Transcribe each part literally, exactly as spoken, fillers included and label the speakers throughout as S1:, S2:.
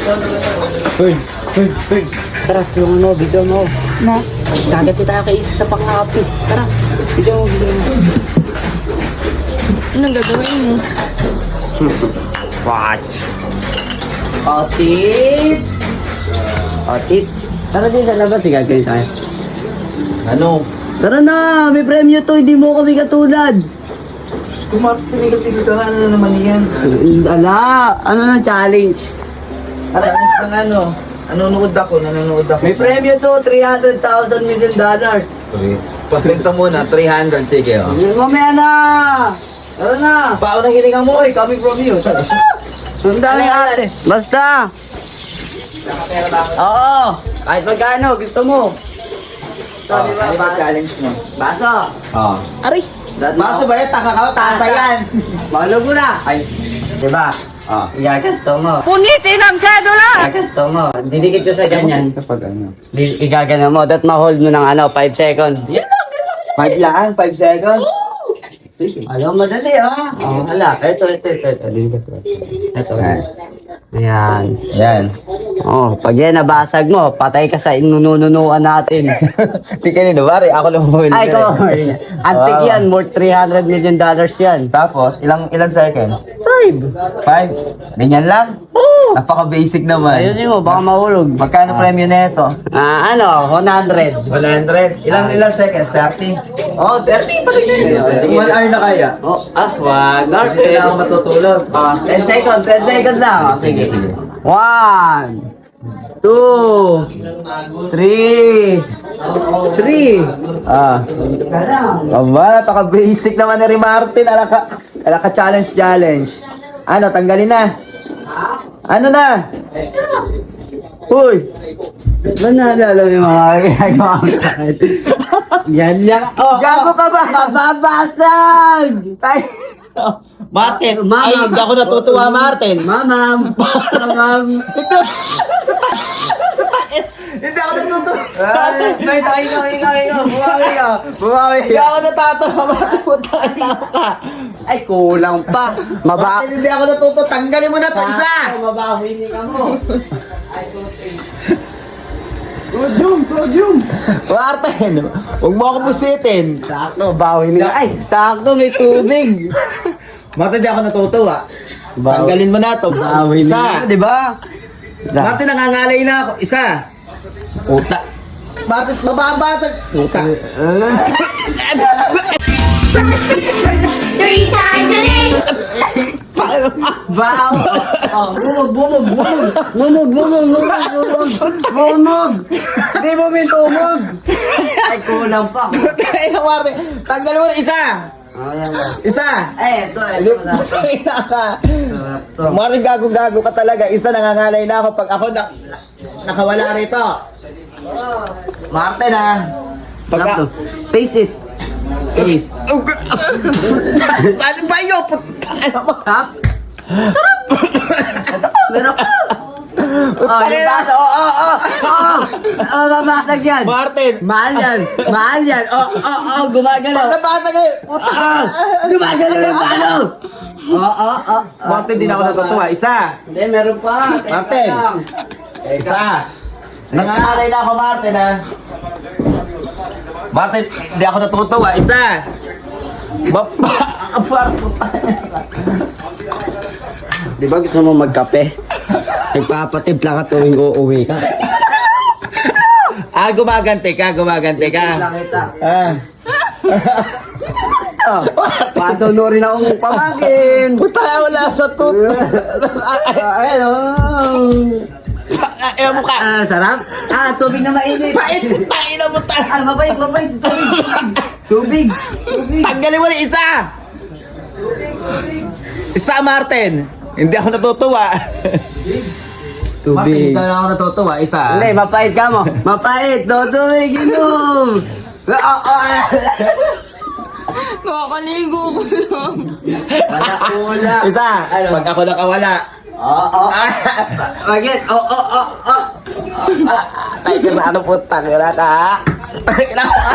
S1: Bird, bird, bird. Tara, yung ano, video mo.
S2: Na?
S1: Kagati tayo kay isa sa pang-happy. Tara, video mo, video mo.
S2: Anong gagawin mo?
S1: Watch. Otit. Otit. Tara din sa labas, gagawin tayo.
S3: Ano?
S1: Tara na, may premyo to, hindi mo kami katulad.
S3: Kumatigil-tigil ka nga, ano na naman yan?
S1: Ala, ano na challenge?
S3: Challenge ng ano? Nanonood ako, nanonood ako.
S1: May premyo to, three hundred thousand million dollars.
S3: Pabenta muna, three hundred, sige oh.
S1: Mamaya na! Tara na!
S3: Paano nang hininga mo eh, coming from you.
S1: Sundali ate. Basta! Oo! Kahit magkano, gusto mo.
S3: Oh, ano ba challenge mo?
S1: Baso!
S3: Oh.
S2: Aray!
S3: Baso ba yan? Taka ka, tasa yan.
S1: Mahulog mo na!
S3: Ay,
S1: Diba?
S3: ah.
S1: Igaganto mo.
S2: Punitin ang sedula!
S1: Igaganto mo. Didikit ko sa ganyan.
S3: Kapag ano?
S1: Di- Igagano mo. That ma-hold mo ng ano, five seconds. Yan lang!
S3: Five lang, five seconds. Sige.
S1: Alam, madali ah. Oh, hala. Ito, ito, ito, ito. Ito, ito.
S3: Ayan.
S1: Ayan.
S3: Yan.
S1: Oh, pag yan nabasag mo, patay ka sa inunununuan natin.
S3: Si kanino, bari, ako lang bumili.
S1: Ay, ko. Antik
S3: Wow.
S1: yan. Worth three hundred million dollars yan.
S3: Tapos, ilang ilang seconds?
S1: Five.
S3: Five? Ganyan lang?
S1: Oo.
S3: Napaka-basic naman.
S1: Ayun mo, baka mahulog.
S3: Magkano premyo na ito?
S1: Ah, ano, one hundred.
S3: one hundred. Ilang ilang seconds? thirty?
S1: Oh, thirty pa rin yun.
S3: one hour na kaya?
S1: Oh, ah, one hour.
S3: Hindi na ako matutulog.
S1: Ah, ten seconds, ten seconds lang. Oh, sige.
S3: sige.
S1: One, two, three, three.
S3: Ah.
S1: Ka lang.
S3: Aba, napaka-basic naman ni Martin. Ala ka, ala ka challenge challenge. Ano, tanggalin na. Ano na? Uy!
S1: Ba naalala mo yung mga ginagawa ko? Yan lang. Oh,
S3: Gago ka ba?
S1: Mababasag!
S3: Ay! Martin!
S1: Mama.
S3: Ay, hindi ako natutuwa, Martin!
S1: Mamam! Mamam!
S3: Hindi ako natutuwa!
S1: Ay, may tayo ka, ikaw, ikaw, bumawi ka, bumawi
S3: Hindi
S1: ka.
S3: ako natatawa, Martin! Puta na ka!
S1: Ay, kulang pa. Maba...
S3: Martin, hindi ako natutuwa! Tanggalin mo na ito, isa!
S1: Mabawi ni ka mo.
S3: Sodium! Sodium! Martin! Huwag mo ako busitin!
S1: Sakto, bawi ni ka. Ay, sakto, may tubig.
S3: Martin, hindi ako natutuwa!
S1: Bawi.
S3: Tanggalin mo na ito!
S1: Bawi ni ka,
S3: Isa!
S1: di ba?
S3: Martin, nangangalay na ako! Isa! Puta! Martin, mababasag! Puta!
S4: Three times a day.
S1: Baw! Oh, bumog, bumog, bumog! Bumog, bumog, bumog, bumog! Bumog! Hindi mo may tumog! Ay, kulang pa.
S3: Ay, Martin! Tanggalin mo na isa!
S1: Ayan mo.
S3: Isa!
S1: Eh, ito,
S3: Hindi,
S1: ito. ito.
S3: pusay na ka!
S1: Sarap to.
S3: Martin, gago-gago ka talaga. Isa, nangangalay na ako pag ako na, nakawala rito. Martin, ha? Pag
S1: Sarap to. Taste it. Taste.
S3: Ano ba yun? Puta! Ano ba?
S1: Sarap? Sarap! Ito, meron ka. Oh, yung baso. Oh, oh, oh, oh. Oh, babasag yan.
S3: Martin!
S1: Mahal yan. Mahal yan. Oh, oh, oh, gumagalaw.
S3: Nabasa ka! Puta!
S1: Ah, gumagalaw yung palo. Oh, oh, oh.
S3: Martin, di na ako natutuwa. Isa!
S1: Hindi, meron pa. Teka
S3: Martin.
S1: lang.
S3: Isa! Nangangalay na ako, Martin, ha? Martin, hindi ako natutuwa. Isa! Bapa!
S1: Di ba gusto mo magkape? Nagpapatimpla ka tuwing uuwi ka.
S3: Ah, gumaganti ka, gumaganti ka.
S1: Timpla kita.
S3: Ah.
S1: Oh, pasunurin akong pamangkin.
S3: Puta, wala sa tut.
S1: Ah, Ayan, oh.
S3: Ayaw mo ka.
S1: Ah, sarap. Ah, tubig na mainit.
S3: Pait, puta, ina mo ta.
S1: Ah, mabait, mabait. Tubig, tubig. Tubig.
S3: Tanggalin mo na isa. Isa, Martin. Hindi ako natutuwa. Martin,
S1: Tubig.
S3: hindi na ako natutuwa. Isa.
S1: Hindi, mapait ka mo. Mapait. No, tubig, inom. Ah, ah.
S2: Makakaligo ko lang.
S1: Wala, wala.
S3: Isa.
S1: Ano?
S3: Pag ako nakawala.
S1: Oo, oo. Bagit. Oo, oo, oo.
S3: Tayo ka na ano po, tangina ka. Tangina ka.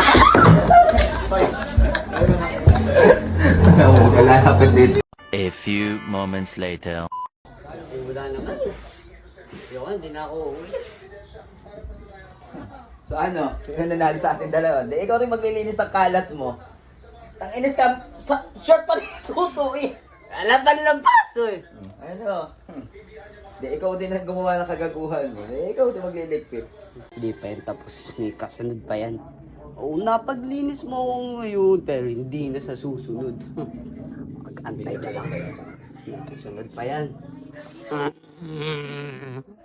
S3: Wala kapit dito.
S5: A few moments later.
S1: Yun, hindi na ako uuwi.
S3: So ano, sino nanalo sa ating dalawa? Di, ikaw rin maglilinis ng kalat mo. Tang inis ka, sa, short pa rin tuto eh.
S1: Alaban ng paso eh.
S3: Ano? Hmm. Di, ikaw din ang gumawa ng kagaguhan mo. Di, ikaw din magliligpit.
S1: Hindi pa yan tapos, may kasunod pa yan. Oo, napaglinis mo ako ngayon, pero hindi na sa susunod. Mag-antay na lang. May kasunod pa yan.